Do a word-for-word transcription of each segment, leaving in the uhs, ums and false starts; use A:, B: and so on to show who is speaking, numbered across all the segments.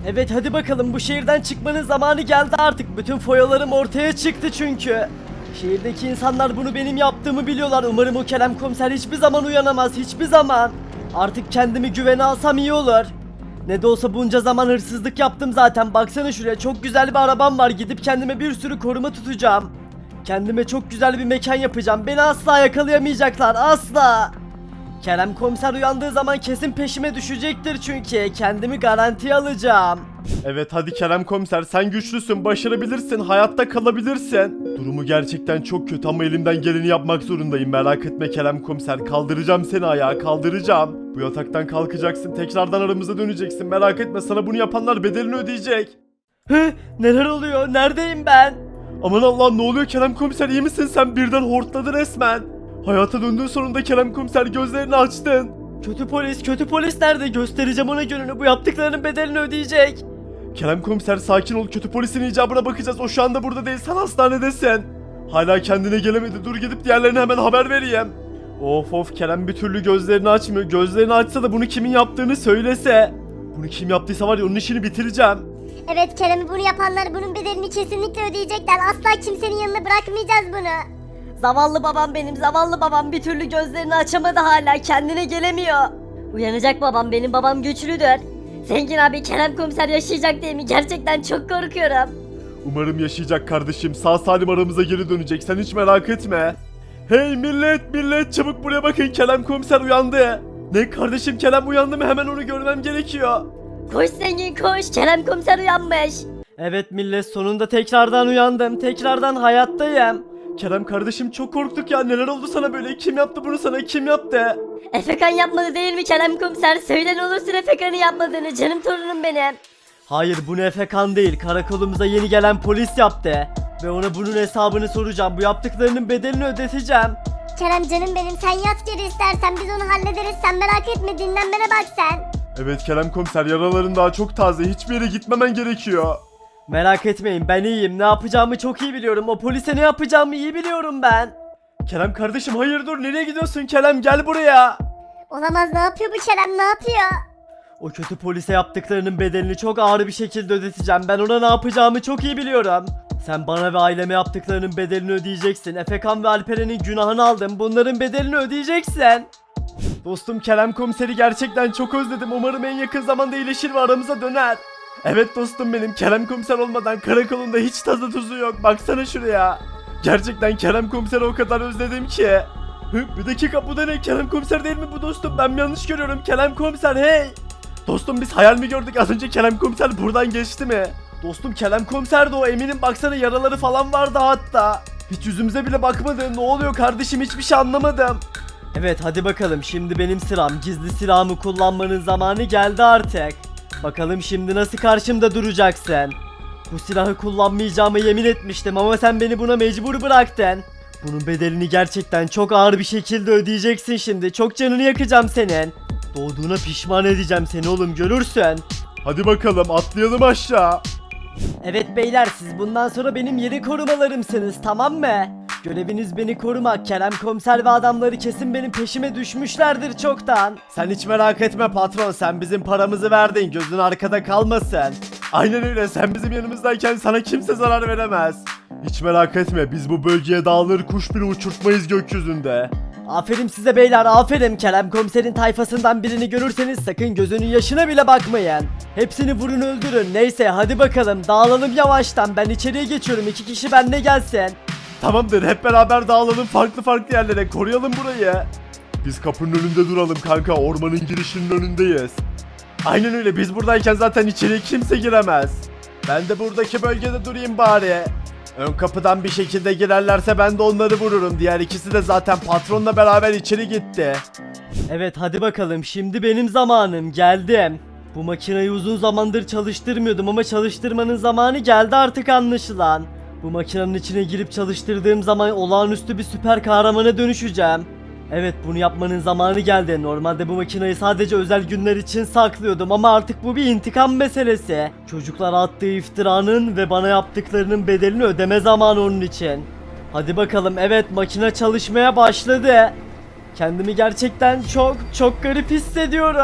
A: Evet hadi bakalım, bu şehirden çıkmanın zamanı geldi artık. Bütün foyalarım ortaya çıktı çünkü. Şehirdeki insanlar bunu benim yaptığımı biliyorlar. Umarım o Kerem Komiser hiçbir zaman uyanamaz, hiçbir zaman. Artık kendimi güvene alsam iyi olur. Ne de olsa bunca zaman hırsızlık yaptım zaten. Baksana şuraya, çok güzel bir arabam var. Gidip kendime bir sürü koruma tutacağım. Kendime çok güzel bir mekan yapacağım. Beni asla yakalayamayacaklar, asla. Kerem Komiser uyandığı zaman kesin peşime düşecektir çünkü. Kendimi garantiye alacağım.
B: Evet hadi Kerem Komiser, sen güçlüsün, başarabilirsin, hayatta kalabilirsin. Durumu gerçekten çok kötü ama elimden geleni yapmak zorundayım. Merak etme Kerem Komiser, kaldıracağım seni ayağa, kaldıracağım. Bu yataktan kalkacaksın, tekrardan aramıza döneceksin, merak etme, sana bunu yapanlar bedelini ödeyecek.
A: Hı, neler oluyor? Neredeyim ben?
B: Aman Allah'ım, ne oluyor Kerem Komiser, iyi misin sen? Birden hortladı resmen. Hayata döndüğün sonunda Kerem Komiser, gözlerini açtın.
A: Kötü polis, kötü polis nerede? Göstereceğim ona gününü. Bu yaptıklarının bedelini ödeyecek.
B: Kerem Komiser sakin ol, kötü polisin icabına bakacağız. O şu anda burada değil, sen hastanedesin. Hala kendine gelemedi, dur gidip diğerlerine hemen haber vereyim. Of of, Kerem bir türlü gözlerini açmıyor. Gözlerini açsa da bunu kimin yaptığını söylese. Bunu kim yaptıysa var ya, onun işini bitireceğim.
C: Evet Kerem'i bunu yapanlar bunun bedelini kesinlikle ödeyecekler. Asla kimsenin yanına bırakmayacağız bunu.
D: Zavallı babam benim, zavallı babam bir türlü gözlerini açamadı hala, kendine gelemiyor. Uyanacak babam, benim babam güçlüdür. Zengin abi, Kerem Komiser yaşayacak değil mi? Gerçekten çok korkuyorum.
B: Umarım yaşayacak kardeşim, sağ salim aramıza geri dönecek, sen hiç merak etme. Hey millet millet, çabuk buraya bakın, Kerem Komiser uyandı. Ne kardeşim, Kerem uyandı mı? Hemen onu görmem gerekiyor.
D: Koş zengin koş, Kerem Komiser uyanmış.
A: Evet millet, sonunda tekrardan uyandım. Tekrardan hayattayım.
B: Kerem kardeşim, çok korktuk ya, neler oldu sana böyle? Kim yaptı bunu sana, kim yaptı?
D: Efekan yapmadı değil mi Kerem Komiser? Söyle ne olursun Efekan'ı yapmadığını, canım torunum benim.
A: Hayır, bu Efekan değil. Karakolumuza yeni gelen polis yaptı. Ve ona bunun hesabını soracağım. Bu yaptıklarının bedelini ödeteceğim.
C: Kerem canım benim, sen yat geri istersen, biz onu hallederiz, sen merak etme, dinlenmene bak sen.
B: Evet Kerem Komiser, yaraların daha çok taze, hiçbir yere gitmemen gerekiyor.
A: Merak etmeyin, ben iyiyim. Ne yapacağımı çok iyi biliyorum. O polise ne yapacağımı iyi biliyorum ben.
B: Kerem kardeşim, hayır dur, nereye gidiyorsun Kerem, gel buraya.
C: Olamaz, ne yapıyor bu Kerem, ne yapıyor?
A: O kötü polise yaptıklarının bedelini çok ağır bir şekilde ödeteceğim. Ben ona ne yapacağımı çok iyi biliyorum. Sen bana ve aileme yaptıklarının bedelini ödeyeceksin. Efekan ve Alperen'in günahını aldım. Bunların bedelini ödeyeceksin.
B: Dostum Kerem Komiser'i gerçekten çok özledim, umarım en yakın zamanda iyileşir ve aramıza döner. Evet dostum benim, Kerem Komiser olmadan karakolunda hiç tadı tuzu yok, baksana şuraya. Gerçekten Kerem Komiser'i o kadar özledim ki. Hı, bir dakika, bu da ne? Kerem Komiser değil mi bu dostum? Ben mi yanlış görüyorum? Kerem Komiser, hey! Dostum biz hayal mi gördük? Az önce Kerem Komiser buradan geçti mi? Dostum Kerem Komiser de o, eminim, baksana yaraları falan vardı hatta. Hiç yüzümüze bile bakmadı. Ne oluyor kardeşim, hiçbir şey anlamadım.
A: Evet hadi bakalım, şimdi benim sıram. Gizli silahımı kullanmanın zamanı geldi artık. Bakalım şimdi nasıl karşımda duracaksın. Bu silahı kullanmayacağımı yemin etmiştim ama sen beni buna mecbur bıraktın. Bunun bedelini gerçekten çok ağır bir şekilde ödeyeceksin şimdi. Çok canını yakacağım senin. Doğduğuna pişman edeceğim seni oğlum, görürsün.
B: Hadi bakalım, atlayalım aşağı.
A: Evet beyler, siz bundan sonra benim yeni korumalarımsınız, tamam mı? Göreviniz beni korumak. Kerem Komiser ve adamları kesin benim peşime düşmüşlerdir çoktan.
B: Sen hiç merak etme patron, sen bizim paramızı verdin, gözün arkada kalmasın. Aynen öyle, sen bizim yanımızdayken sana kimse zarar veremez. Hiç merak etme, biz bu bölgeye dağılır kuş bile uçurtmayız gökyüzünde.
A: Aferin size beyler, aferin. Kerem Komiser'in tayfasından birini görürseniz sakın gözünün yaşına bile bakmayın. Hepsini vurun öldürün. Neyse hadi bakalım, dağılalım yavaştan. Ben içeriye geçiyorum, iki kişi benimle gelsin.
B: Tamamdır, hep beraber dağılalım farklı farklı yerlere, koruyalım burayı. Biz kapının önünde duralım kanka, ormanın girişinin önündeyiz. Aynen öyle, biz buradayken zaten içeriye kimse giremez. Ben de buradaki bölgede durayım bari. Ön kapıdan bir şekilde girerlerse ben de onları vururum. Diğer ikisi de zaten patronla beraber içeri gitti.
A: Evet hadi bakalım, şimdi benim zamanım, geldim. Bu makineyi uzun zamandır çalıştırmıyordum ama çalıştırmanın zamanı geldi artık anlaşılan. Bu makinenin içine girip çalıştırdığım zaman olağanüstü bir süper kahramana dönüşeceğim. Evet, bunu yapmanın zamanı geldi. Normalde bu makineyi sadece özel günler için saklıyordum ama artık bu bir intikam meselesi. Çocuklara attığı iftiranın ve bana yaptıklarının bedelini ödeme zamanı onun için. Hadi bakalım, evet, makine çalışmaya başladı. Kendimi gerçekten çok çok garip hissediyorum.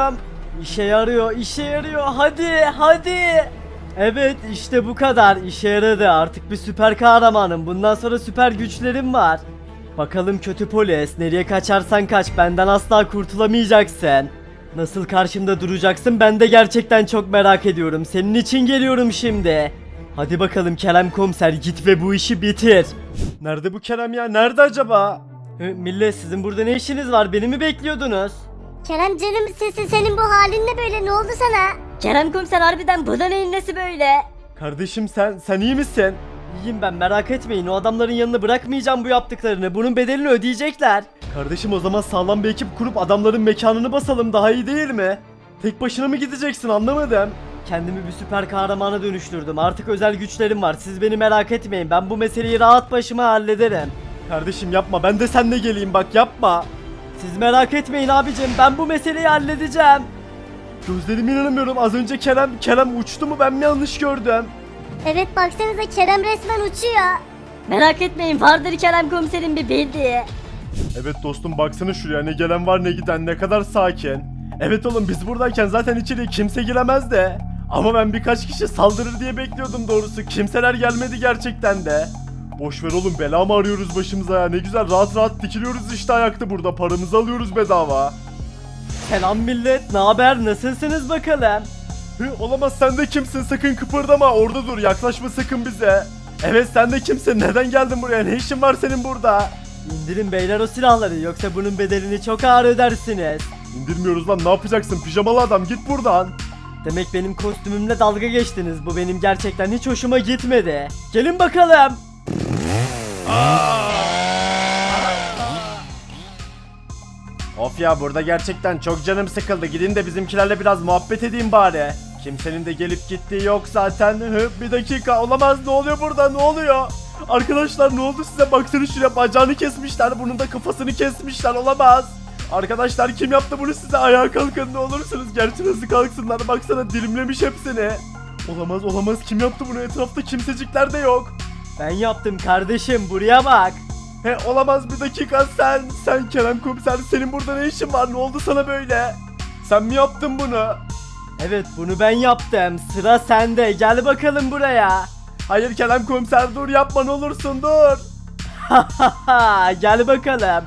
A: İşe yarıyor, işe yarıyor. Hadi, hadi. Evet, işte bu kadar. İşe yaradı. Artık bir süper kahramanım. Bundan sonra süper güçlerim var. Bakalım kötü polis, nereye kaçarsan kaç, benden asla kurtulamayacaksın. Nasıl karşımda duracaksın, ben de gerçekten çok merak ediyorum. Senin için geliyorum şimdi. Hadi bakalım Kerem komiser, git ve bu işi bitir.
B: Nerede bu Kerem ya? Nerede acaba?
A: Hı, millet, sizin burada ne işiniz var? Beni mi bekliyordunuz?
C: Kerem canım sesi senin bu halin ne böyle, ne oldu sana?
D: Kerem komiser harbiden bu da neyin nesi böyle?
B: Kardeşim sen sen iyi misin?
A: İyiyim ben, merak etmeyin. O adamların yanına bırakmayacağım bu yaptıklarını. Bunun bedelini ödeyecekler.
B: Kardeşim o zaman sağlam bir ekip kurup adamların mekanını basalım, daha iyi değil mi? Tek başına mı gideceksin, anlamadım.
A: Kendimi bir süper kahramana dönüştürdüm. Artık özel güçlerim var. Siz beni merak etmeyin. Ben bu meseleyi rahat başıma hallederim.
B: Kardeşim yapma, ben de seninle geleyim, bak yapma.
A: Siz merak etmeyin abicim. Ben bu meseleyi halledeceğim.
B: Gözlerime inanamıyorum, az önce Kerem Kerem uçtu mu, ben mi yanlış gördüm?
C: Evet baksanıza Kerem resmen uçuyor.
D: Merak etmeyin, vardır Kerem komiserin bir bildiği.
B: Evet dostum, baksana şuraya, ne gelen var ne giden, ne kadar sakin. Evet oğlum, biz buradayken zaten içeriye kimse giremez de. Ama ben birkaç kişi saldırır diye bekliyordum doğrusu, kimseler gelmedi gerçekten de. Boş ver oğlum, bela mı arıyoruz başımıza ya, ne güzel rahat rahat dikiliyoruz işte ayakta burada, paramızı alıyoruz bedava.
A: Selam millet. Ne haber? Nasılsınız bakalım?
B: Hı, olamaz, sen de kimsin, sakın kıpırdama, orada dur, yaklaşma sakın bize. Evet sen de kimsin, neden geldin buraya, ne işin var senin burada?
A: İndirin beyler o silahları, yoksa bunun bedelini çok ağır ödersiniz.
B: İndirmiyoruz lan, ne yapacaksın pijamalı adam, git buradan.
A: Demek benim kostümümle dalga geçtiniz. Bu benim gerçekten hiç hoşuma gitmedi. Gelin bakalım.
B: Of ya, burada gerçekten çok canım sıkıldı, gidin de bizimkilerle biraz muhabbet edeyim bari. Kimsenin de gelip gittiği yok zaten. Hı, bir dakika, olamaz, ne oluyor burada, ne oluyor? Arkadaşlar ne oldu size, baksana şuraya, bacağını kesmişler, bunun da kafasını kesmişler, olamaz. Arkadaşlar kim yaptı bunu size, ayağa kalkın ne olursunuz, gerçi nasıl kalksınlar, baksana dilimlemiş hepsini. Olamaz olamaz, kim yaptı bunu, etrafta kimsecikler de yok.
A: Ben yaptım kardeşim, buraya bak.
B: He olamaz, bir dakika, sen sen Kerem komiser, senin burada ne işin var, ne oldu sana böyle? Sen mi yaptın bunu?
A: Evet, bunu ben yaptım. Sıra sende. Gel bakalım buraya.
B: Hayır Kerem komiser, dur yapma ne olursun, dur.
A: Gel bakalım.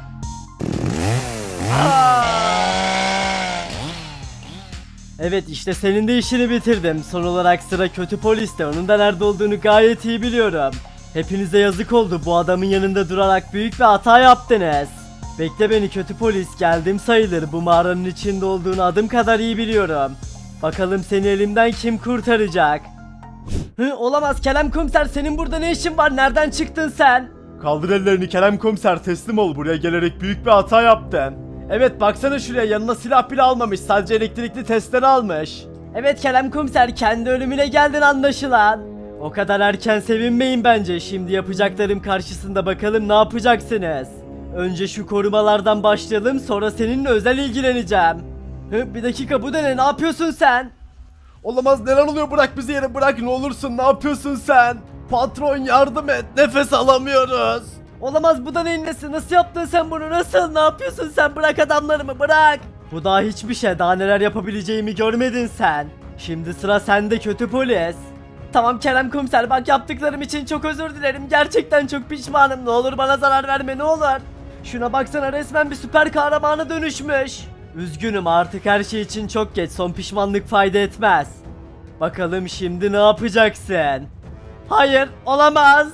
A: Evet, işte senin de işini bitirdim. Son olarak sıra kötü poliste. Onun da nerede olduğunu gayet iyi biliyorum. Hepinize yazık oldu. Bu adamın yanında durarak büyük bir hata yaptınız. Bekle beni kötü polis. Geldim sayılır. Bu mağaranın içinde olduğunu adım kadar iyi biliyorum. Bakalım seni elimden kim kurtaracak? Hı, olamaz Kerem komiser, senin burada ne işin var? Nereden çıktın sen?
B: Kaldır ellerini Kerem komiser, teslim ol, buraya gelerek büyük bir hata yaptın.
A: Evet, baksana şuraya, yanına silah bile almamış, sadece elektrikli testere almış. Evet Kerem komiser, kendi ölümüne geldin anlaşılan. O kadar erken sevinmeyin bence. Şimdi yapacaklarım karşısında bakalım ne yapacaksınız. Önce şu korumalardan başlayalım, sonra seninle özel ilgileneceğim. Hı, bir dakika, bu da ne? Ne yapıyorsun sen?
B: Olamaz, neler oluyor, bırak bizi yere, bırak ne olursun, ne yapıyorsun sen? Patron yardım et, nefes alamıyoruz.
A: Olamaz, bu da neyin nesi? Nasıl yaptın sen bunu? Nasıl? Ne yapıyorsun sen? Bırak adamlarımı, bırak. Bu daha hiçbir şey. Daha neler yapabileceğimi görmedin sen. Şimdi sıra sende kötü polis. Tamam Kerem komiser, bak yaptıklarım için çok özür dilerim. Gerçekten çok pişmanım. Ne olur bana zarar verme, ne olur. Şuna baksana, resmen bir süper kahramana dönüşmüş. Üzgünüm, artık her şey için çok geç. Son pişmanlık fayda etmez. Bakalım şimdi ne yapacaksın? Hayır, olamaz.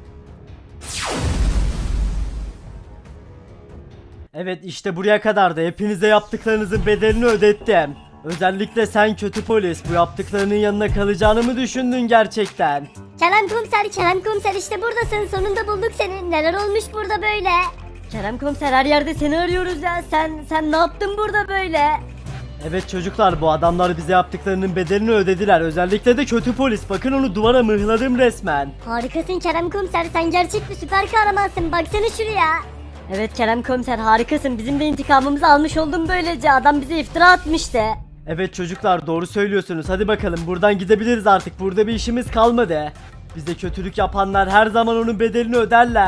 A: Evet, işte buraya kadardı. Hepinize yaptıklarınızın bedelini ödettim. Özellikle sen kötü polis, bu yaptıklarının yanına kalacağını mı düşündün gerçekten?
C: Kerem komiser, Kerem komiser işte buradasın, sonunda bulduk seni. Neler olmuş burada böyle?
D: Kerem komiser, her yerde seni arıyoruz ya. Sen sen ne yaptın burada böyle?
A: Evet çocuklar, bu adamlar bize yaptıklarının bedelini ödediler. Özellikle de kötü polis. Bakın, onu duvara mıhladım resmen.
C: Harikasın Kerem komiser, sen gerçek bir süper kahramansın, baksana şuraya.
D: Evet Kerem komiser, harikasın. Bizim de intikamımızı almış oldun böylece. Adam bize iftira atmıştı.
A: Evet çocuklar, doğru söylüyorsunuz. Hadi bakalım, buradan gidebiliriz artık. Burada bir işimiz kalmadı. Bize kötülük yapanlar her zaman onun bedelini öderler.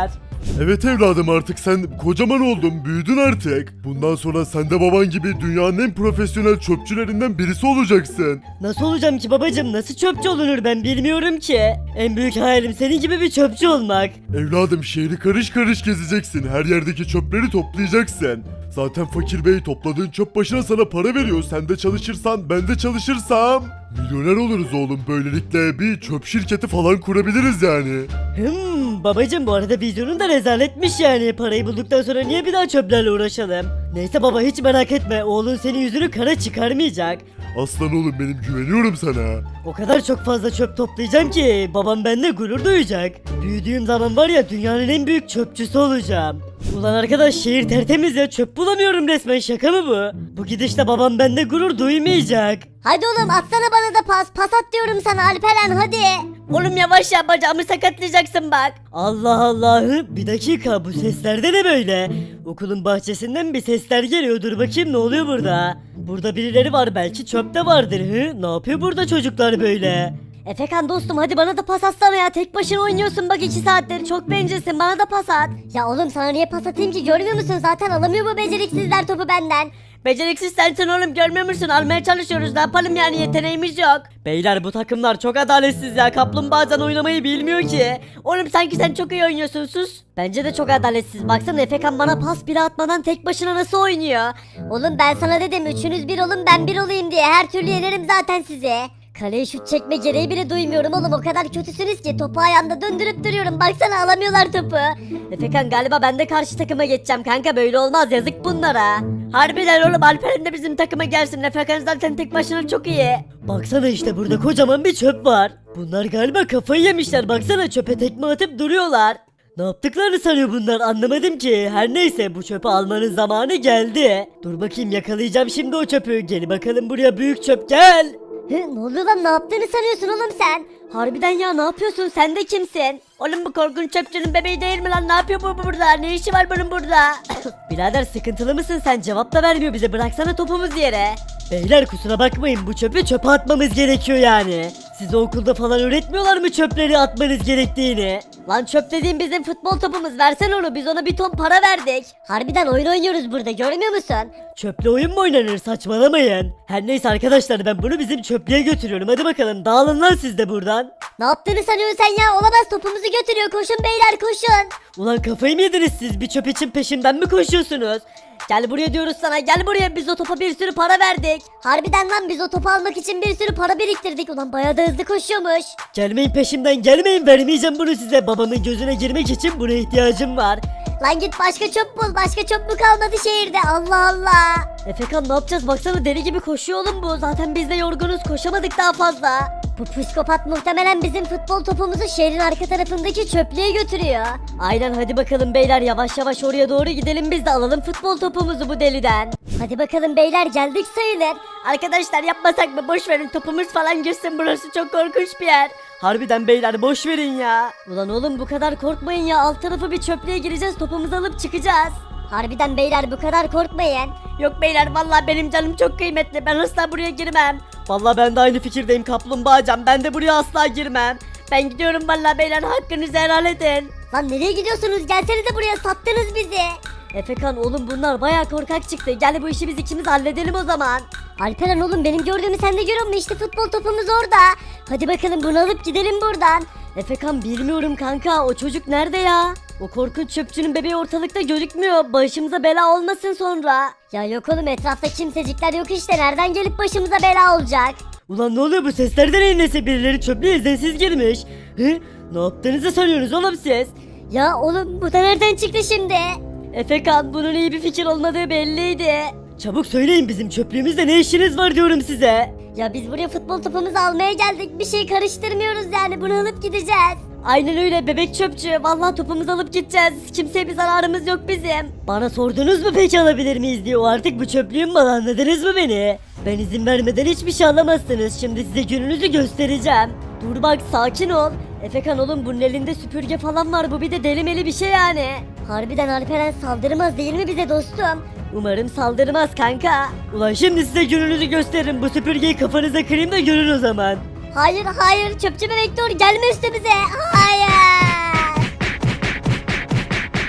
E: Evet evladım artık sen kocaman oldun, büyüdün artık. Bundan sonra sen de baban gibi dünyanın en profesyonel çöpçülerinden birisi olacaksın.
A: Nasıl olacağım ki babacım? Nasıl çöpçü olunur ben bilmiyorum ki. En büyük hayalim senin gibi bir çöpçü olmak.
E: Evladım şehri karış karış gezeceksin. Her yerdeki çöpleri toplayacaksın. Zaten fakir bey topladığın çöp başına sana para veriyor. Sen de çalışırsan ben de çalışırsam milyoner oluruz oğlum. Böylelikle bir çöp şirketi falan kurabiliriz yani.
A: Hmm babacım bu arada vizyonun da rezaletmiş yani. Parayı bulduktan sonra niye bir daha çöplerle uğraşalım? Neyse baba hiç merak etme. Oğlun senin yüzünü kara çıkarmayacak.
E: Aslan oğlum benim güveniyorum sana.
A: O kadar çok fazla çöp toplayacağım ki babam bende gurur duyacak. Büyüdüğüm zaman var ya dünyanın en büyük çöpçüsü olacağım. Ulan arkadaş şehir tertemiz ya çöp bulamıyorum resmen şaka mı bu? Bu gidişle babam bende gurur duymayacak.
C: Hadi oğlum atsana bana da pas. Pas at diyorum sana Alperen hadi.
D: Oğlum yavaş ya bacağımı sakatlayacaksın bak.
A: Allah Allah bir dakika bu sesler de ne böyle? Okulun bahçesinden bir sesler geliyor dur bakayım ne oluyor burada? Burada birileri var belki çöpte vardır hı? Ne yapıyor burada çocuklar böyle?
D: Efekan dostum hadi bana da pas atsana ya. Tek başına oynuyorsun bak iki saattir. Çok bencilsin bana da pas at.
C: Ya oğlum sana niye pas atayım ki görmüyor musun? Zaten alamıyor bu beceriksizler topu benden.
D: Beceriksiz sensin oğlum görmüyor musun? Almaya çalışıyoruz ne yapalım yani yeteneğimiz yok.
A: Beyler bu takımlar çok adaletsiz ya kaplumbağadan oynamayı bilmiyor ki.
D: Oğlum sanki sen çok iyi oynuyorsun sus. Bence de çok adaletsiz. Baksana Efekan bana pas bile atmadan tek başına nasıl oynuyor?
C: Oğlum ben sana dedim üçünüz bir olun ben bir olayım diye. Her türlü yenerim zaten sizi. Kaleye şut çekme gereği bile duymuyorum oğlum. O kadar kötüsünüz ki topu ayağımda döndürüp duruyorum. Baksana alamıyorlar topu.
D: Efekan galiba ben de karşı takıma geçeceğim kanka böyle olmaz yazık bunlara. Harbiden oğlum Alperen de bizim takıma gelsin. Efekan zaten tek başına çok iyi.
A: Baksana işte burada kocaman bir çöp var. Bunlar galiba kafayı yemişler baksana çöpe tekme atıp duruyorlar. Ne yaptıklarını sanıyor bunlar anlamadım ki. Her neyse bu çöpü almanın zamanı geldi. Dur bakayım yakalayacağım şimdi o çöpü. Gel bakalım buraya büyük çöp gel.
C: Hı, ne oluyor lan ne yaptığını sanıyorsun oğlum sen?
D: Harbiden ya ne yapıyorsun sen de kimsin? Oğlum bu korkunç çöpçünün bebeği değil mi lan ne yapıyor bu burada ne işi var bunun burada?
A: Birader sıkıntılı mısın sen cevap da vermiyor bize bıraksana topumuz yere. Beyler kusura bakmayın bu çöpü çöpe atmamız gerekiyor yani. Size okulda falan öğretmiyorlar mı çöpleri atmanız gerektiğini?
D: Lan çöp dediğin bizim futbol topumuz versene onu biz ona bir ton para verdik.
C: Harbiden oyun oynuyoruz burada görmüyor musun?
A: Çöple oyun mu oynanır saçmalamayın. Her neyse arkadaşlar ben bunu bizim çöplüğe götürüyorum hadi bakalım dağılın lan siz de buradan.
C: Ne yaptığını sanıyorsun sen ya? Olamaz topumuzu götürüyor. Koşun beyler koşun.
A: Ulan kafayı mı yediniz siz bir çöp için peşimden mi koşuyorsunuz?
D: Gel buraya diyoruz sana gel buraya biz o topa bir sürü para verdik.
C: Harbiden lan biz o topu almak için bir sürü para biriktirdik. Ulan bayağı da hızlı koşuyormuş.
A: Gelmeyin peşimden gelmeyin vermeyeceğim bunu size babamın gözüne girmek için buna ihtiyacım var.
C: Lan git başka çöp bul. Başka çöp mü kalmadı şehirde? Allah Allah.
D: Efekan ne yapacağız baksana deli gibi koşuyor oğlum bu. Zaten biz de yorgunuz koşamadık daha fazla.
C: Bu psikopat muhtemelen bizim futbol topumuzu şehrin arka tarafındaki çöplüğe götürüyor.
D: Aynen hadi bakalım beyler yavaş yavaş oraya doğru gidelim biz de alalım futbol topumuzu bu deliden.
C: Hadi bakalım beyler geldik sayılır.
D: Arkadaşlar yapmasak mı boş verin topumuz falan gitsin burası çok korkunç bir yer.
A: Harbiden beyler boş verin ya.
D: Ulan oğlum bu kadar korkmayın ya alt tarafı bir çöplüğe gireceğiz topumuzu alıp çıkacağız.
C: Harbiden beyler bu kadar korkmayın.
D: Yok beyler vallahi benim canım çok kıymetli ben asla buraya girmem.
A: Vallahi ben de aynı fikirdeyim kaplumbağacan ben de buraya asla girmem.
D: Ben gidiyorum vallahi beyler hakkınızı helal edin.
C: Lan nereye gidiyorsunuz? Gelsenize buraya sattınız bizi.
D: Efekan oğlum bunlar baya korkak çıktı gel bu işi biz ikimiz halledelim o zaman.
C: Alperen oğlum benim gördüğümü sen de görüyor musun? İşte futbol topumuz orada. Hadi bakalım bunu alıp gidelim buradan.
D: Efekan bilmiyorum kanka o çocuk nerede ya? O korkunç çöpçünün bebeği ortalıkta gözükmüyor. Başımıza bela olmasın sonra.
C: Ya yok oğlum etrafta kimsecikler yok işte. Nereden gelip başımıza bela olacak?
A: Ulan ne oluyor bu seslerden neyse birileri çöplüğe izinsiz girmiş. Hı? Ne yaptığınızı sanıyorsunuz oğlum siz?
C: Ya oğlum bu da nereden çıktı şimdi?
D: Efekan bunun iyi bir fikir olmadığı belliydi.
A: Çabuk söyleyin bizim çöplüğümüzde ne işiniz var diyorum size.
C: Ya biz buraya futbol topumuzu almaya geldik. Bir şey karıştırmıyoruz yani. Bunu alıp gideceğiz.
D: Aynen öyle bebek çöpçü. Vallahi topumuzu alıp gideceğiz. Kimseye bir zararımız yok bizim.
A: Bana sordunuz mu peki alabilir miyiz diye o artık bu çöplüğün malı anladınız mı beni? Ben izin vermeden hiçbir şey alamazsınız şimdi size gününüzü göstereceğim.
D: Dur bak sakin ol. Efekan oğlum bunun elinde süpürge falan var bu bir de delimeli bir şey yani.
C: Harbiden Alperen saldırmaz değil mi bize dostum?
D: Umarım saldırmaz kanka.
A: Ulan şimdi size gününüzü gösteririm bu süpürgeyi kafanıza kırayım da görün o zaman.
C: Hayır hayır çöpçü bebek dur gelme üstümüze. Hayır.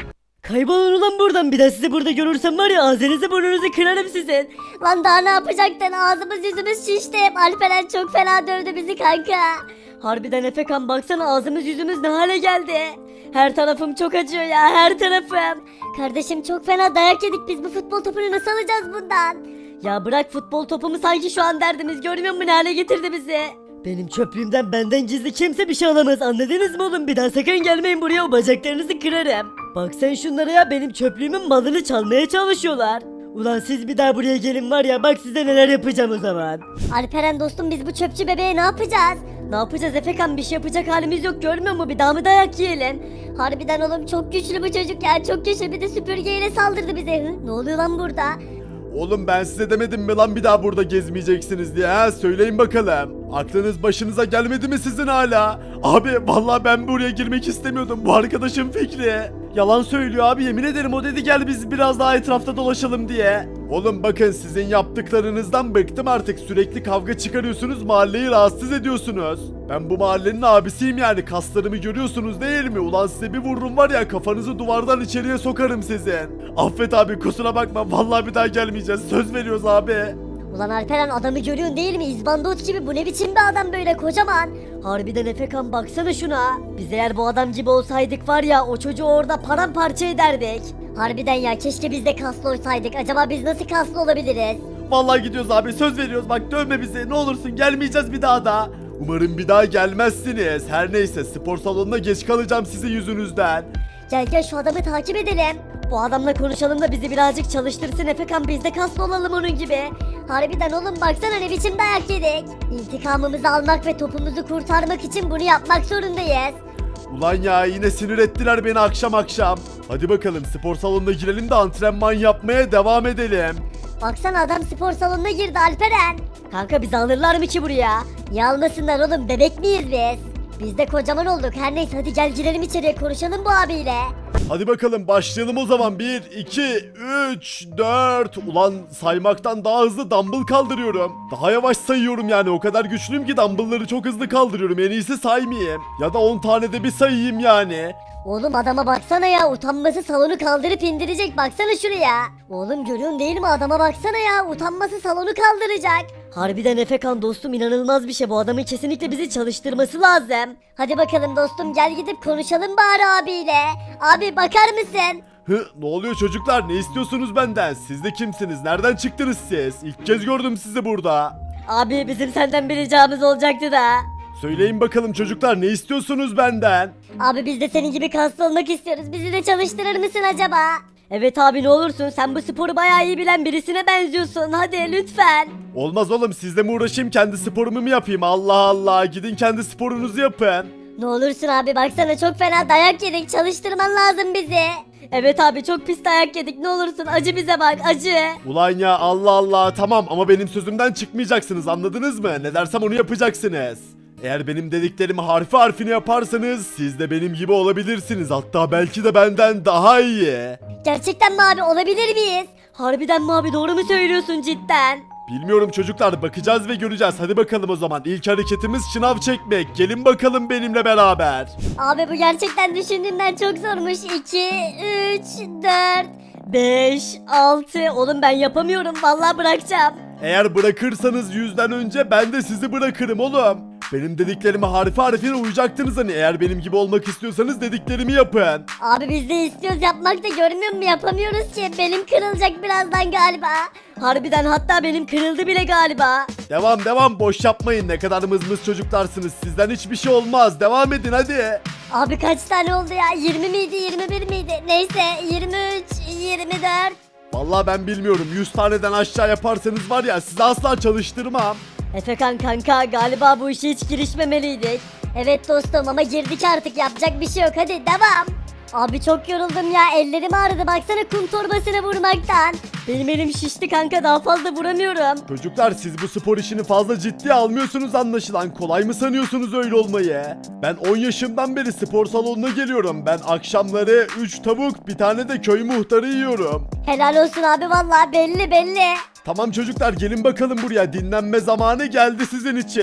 D: Kaybolun ulan buradan, bir daha sizi burada görürsem var ya ağzınızı burnunuzu kırarım sizin.
C: Lan daha ne yapacaktın? Ağzımız yüzümüz şişti. Alperen çok fena dövdü bizi kanka.
D: Harbiden Efekan, baksana ağzımız yüzümüz ne hale geldi. Her tarafım çok acıyor ya, her tarafım.
C: Kardeşim çok fena dayak yedik biz, bu futbol topunu nasıl alacağız bundan?
D: Ya bırak futbol topumu, sanki şu an derdimiz, görmüyor musun ne hale getirdi bizi? Benim çöplüğümden benden gizli kimse bir şey alamaz, anladınız mı oğlum? Bir daha sakın gelmeyin buraya, o bacaklarınızı kırarım. Bak sen şunlara ya, benim çöplüğümün malını çalmaya çalışıyorlar. Ulan siz bir daha buraya gelin var ya, bak size neler yapacağım o zaman.
C: Alperen dostum biz bu çöpçü bebeğe ne yapacağız?
D: Ne yapacağız Efekan, bir şey yapacak halimiz yok, görmüyor musun? Bir daha mı dayak yiyelim?
C: Harbiden oğlum çok güçlü bu çocuk ya, çok güçlü, bir de süpürgeyle saldırdı bize. Hı? Ne oluyor lan burada?
B: Oğlum ben size demedim mi lan bir daha burada gezmeyeceksiniz diye ha? Söyleyin bakalım. Aklınız başınıza gelmedi mi sizin hala? Abi vallahi ben buraya girmek istemiyordum. Bu arkadaşım Fikri. Yalan söylüyor abi, yemin ederim o dedi gel biz biraz daha etrafta dolaşalım diye. Oğlum bakın sizin yaptıklarınızdan bıktım artık, sürekli kavga çıkarıyorsunuz, mahalleyi rahatsız ediyorsunuz. Ben bu mahallenin abisiyim yani, kaslarımı görüyorsunuz değil mi? Ulan size bir vururum var ya, kafanızı duvardan içeriye sokarım sizin. Affet abi, kusura bakma, vallahi bir daha gelmeyeceğiz, söz veriyoruz abi.
C: Ulan Alperen adamı görüyorsun değil mi? İzbandut gibi, bu ne biçim bir adam böyle kocaman?
D: Harbiden Efekan, baksana şuna. Biz eğer bu adam gibi olsaydık var ya, o çocuğu orada paramparça ederdik.
C: Harbiden ya, keşke biz de kaslı olsaydık. Acaba biz nasıl kaslı olabiliriz?
B: Vallahi gidiyoruz abi, söz veriyoruz, bak dövme bizi ne olursun, gelmeyeceğiz bir daha da. Umarım bir daha gelmezsiniz. Her neyse, spor salonuna geç kalacağım sizin yüzünüzden.
C: Gel gel şu adamı takip edelim.
D: Bu adamla konuşalım da bizi birazcık çalıştırsın Efekan, biz de kaslı olalım onun gibi.
C: Harbiden oğlum baksana ne biçim dayak yedik. İntikamımızı almak ve topumuzu kurtarmak için bunu yapmak zorundayız.
B: Ulan ya, yine sinir ettiler beni akşam akşam. Hadi bakalım spor salonuna girelim de antrenman yapmaya devam edelim.
C: Baksana adam spor salonuna girdi Alperen.
D: Kanka bizi alırlar mı ki buraya?
C: Niye almasınlar oğlum, bebek miyiz biz? Biz de kocaman olduk, her neyse hadi gel girelim içeriye, konuşalım bu abiyle.
B: Hadi bakalım başlayalım o zaman. bir, iki, üç, dört. Ulan saymaktan daha hızlı dumbbell kaldırıyorum. Daha yavaş sayıyorum yani, o kadar güçlüyüm ki dumbbellları çok hızlı kaldırıyorum. En iyisi saymayayım. Ya da on tane de bir sayayım yani.
C: Oğlum adama baksana ya, utanması salonu kaldırıp indirecek, baksana şuraya. Oğlum görüyorsun değil mi, adama baksana ya, utanması salonu kaldıracak.
D: Harbiden Efekan dostum, inanılmaz bir şey, bu adamın kesinlikle bizi çalıştırması lazım.
C: Hadi bakalım dostum, gel gidip konuşalım bari abiyle. Abi bakar mısın?
B: Hı, ne oluyor çocuklar, ne istiyorsunuz benden? Siz de kimsiniz, nereden çıktınız siz? İlk kez gördüm sizi burada.
D: Abi bizim senden bir ricamız olacaktı da.
B: Söyleyin bakalım çocuklar, ne istiyorsunuz benden?
C: Abi biz de senin gibi kaslı olmak istiyoruz, bizi de çalıştırır mısın acaba?
D: Evet abi, ne olursun, sen bu sporu bayağı iyi bilen birisine benziyorsun, hadi lütfen.
B: Olmaz oğlum, sizle mi uğraşayım, kendi sporumu mu yapayım? Allah Allah, gidin kendi sporunuzu yapın.
C: Ne olursun abi, baksana çok fena dayak yedik, çalıştırman lazım bizi.
D: Evet abi, çok pis dayak yedik, ne olursun acı bize bak, acı.
B: Ulan ya, Allah Allah, tamam ama benim sözümden çıkmayacaksınız, anladınız mı? Ne dersem onu yapacaksınız. Eğer benim dediklerimi harfi harfine yaparsanız siz de benim gibi olabilirsiniz, hatta belki de benden daha iyi.
C: Gerçekten mi abi, olabilir miyiz?
D: Harbiden mi abi, doğru mu söylüyorsun cidden?
B: Bilmiyorum çocuklar, bakacağız ve göreceğiz. Hadi bakalım o zaman, ilk hareketimiz şınav çekmek. Gelin bakalım benimle beraber.
C: Abi bu gerçekten düşündüğümden çok zormuş. iki, üç, dört.
D: beş, altı, oğlum ben yapamıyorum, vallahi bırakacağım.
B: Eğer bırakırsanız yüzden önce ben de sizi bırakırım oğlum. Benim dediklerime harfi harfine uyacaktınız hani. Eğer benim gibi olmak istiyorsanız dediklerimi yapın.
C: Abi biz de istiyoruz yapmak da, görmüyor musun, yapamıyoruz ki. Benim kırılacak birazdan galiba.
D: Harbiden, hatta benim kırıldı bile galiba.
B: Devam devam, boş yapmayın, ne kadar mızmız çocuklarsınız. Sizden hiçbir şey olmaz, devam edin hadi.
C: Abi kaç tane oldu ya, yirmi miydi yirmi bir miydi, neyse yirmi üç, yirmi dört.
B: Vallahi ben bilmiyorum, yüz taneden aşağı yaparsanız var ya, sizi asla çalıştırmam.
D: Efekan kanka, galiba bu işe hiç girişmemeliydik.
C: Evet dostum ama girdik artık, yapacak bir şey yok, hadi devam. Abi çok yoruldum ya, ellerim ağrıdı, baksana kum torbasını vurmaktan.
D: Benim elim şişti kanka, daha fazla vuramıyorum.
B: Çocuklar siz bu spor işini fazla ciddiye almıyorsunuz anlaşılan. Kolay mı sanıyorsunuz öyle olmayı? Ben on yaşımdan beri spor salonuna geliyorum. Ben akşamları üç tavuk, bir tane de köy muhtarı yiyorum.
C: Helal olsun abi, vallahi belli belli.
B: Tamam çocuklar, gelin bakalım buraya, dinlenme zamanı geldi sizin için.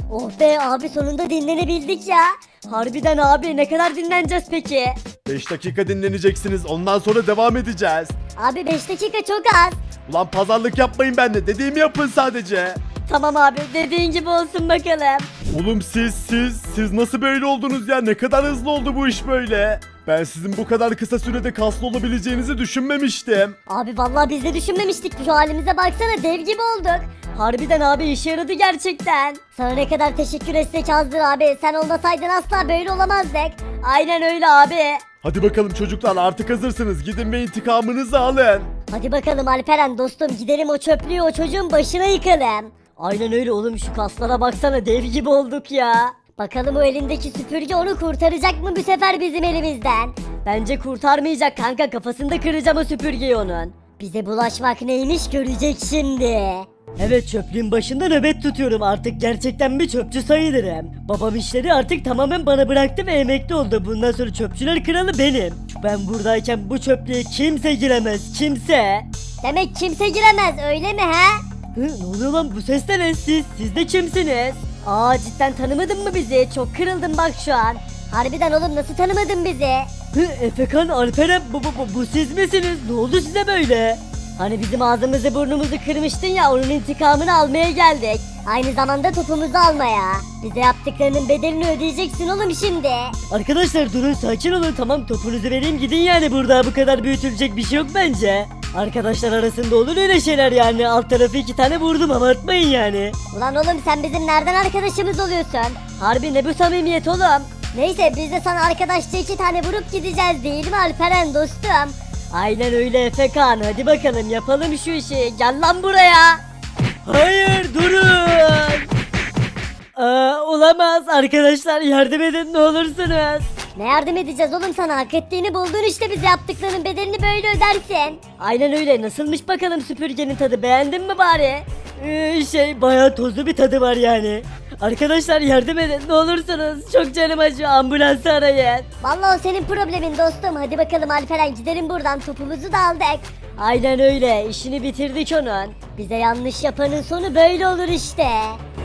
C: Oh be abi sonunda dinlenebildik ya.
D: Harbiden abi ne kadar dinleneceğiz peki?
B: beş dakika dinleneceksiniz. Ondan sonra devam edeceğiz.
C: Abi beş dakika çok az.
B: Ulan pazarlık yapmayın benimle. Dediğimi yapın sadece.
D: Tamam abi dediğin gibi olsun bakalım.
B: Oğlum siz siz siz nasıl böyle oldunuz ya? Ne kadar hızlı oldu bu iş böyle? Ben sizin bu kadar kısa sürede kaslı olabileceğinizi düşünmemiştim.
C: Abi vallahi biz de düşünmemiştik. Şu halimize baksana dev gibi olduk.
D: Harbiden abi işe yaradı gerçekten.
C: Sana ne kadar teşekkür etsek azdır abi. Sen olmasaydın asla böyle olamazdık.
D: Aynen öyle abi.
B: Hadi bakalım çocuklar artık hazırsınız. Gidin ve intikamınızı alın.
C: Hadi bakalım Alperen dostum gidelim o çöplüğü o çocuğun başına yıkalım.
D: Aynen öyle oğlum şu kaslara baksana dev gibi olduk ya.
C: Bakalım o elindeki süpürge onu kurtaracak mı bu sefer bizim elimizden?
D: Bence kurtarmayacak kanka kafasında kıracağım o süpürgeyi onun.
C: Bize bulaşmak neymiş görecek şimdi.
A: Evet çöplüğün başında nöbet tutuyorum artık gerçekten bir çöpçü sayılırım. Babam işleri artık tamamen bana bıraktı ve emekli oldu. Bundan sonra çöpçüler kralı benim. Ben buradayken bu çöplüğe kimse giremez kimse.
C: Demek kimse giremez öyle mi he?
A: Hı, ne oluyor lan bu ses de ne siz? Siz de kimsiniz?
D: Aa cidden tanımadın mı bizi? Çok kırıldım bak şu an.
C: Harbiden oğlum nasıl tanımadın bizi?
A: Hı, Efekan, Alperen bu, bu, bu, bu siz misiniz? Ne oldu size böyle?
D: Hani bizim ağzımızı burnumuzu kırmıştın ya onun intikamını almaya geldik.
C: Aynı zamanda topumuzu almaya. Bize yaptıklarının bedelini ödeyeceksin oğlum şimdi.
A: Arkadaşlar durun sakin olun tamam topunuzu vereyim gidin yani burada bu kadar büyütülecek bir şey yok bence. Arkadaşlar arasında olur öyle şeyler yani alt tarafı iki tane vurdum abartmayın yani.
C: Ulan oğlum sen bizim nereden arkadaşımız oluyorsun?
D: Harbi ne bu samimiyet oğlum?
C: Neyse biz de sana arkadaşça iki tane vurup gideceğiz değil mi Alperen dostum?
D: Aynen öyle Efekan hadi bakalım yapalım şu işi gel lan buraya.
A: Hayır durun. Aa, olamaz arkadaşlar yardım edin ne olursunuz.
C: Ne yardım edeceğiz oğlum sana hak ettiğini buldun işte bize yaptıklarının bedelini böyle ödersin.
D: Aynen öyle nasılmış bakalım süpürgenin tadı beğendin mi bari?
A: Ee, şey bayağı tozlu bir tadı var yani. Arkadaşlar yardım edin ne olursunuz çok canım acıyor ambulansı arayın.
C: Vallahi o senin problemin dostum hadi bakalım Alperen gidelim buradan topumuzu da aldık.
D: Aynen öyle işini bitirdik onun.
C: Bize yanlış yapanın sonu böyle olur işte.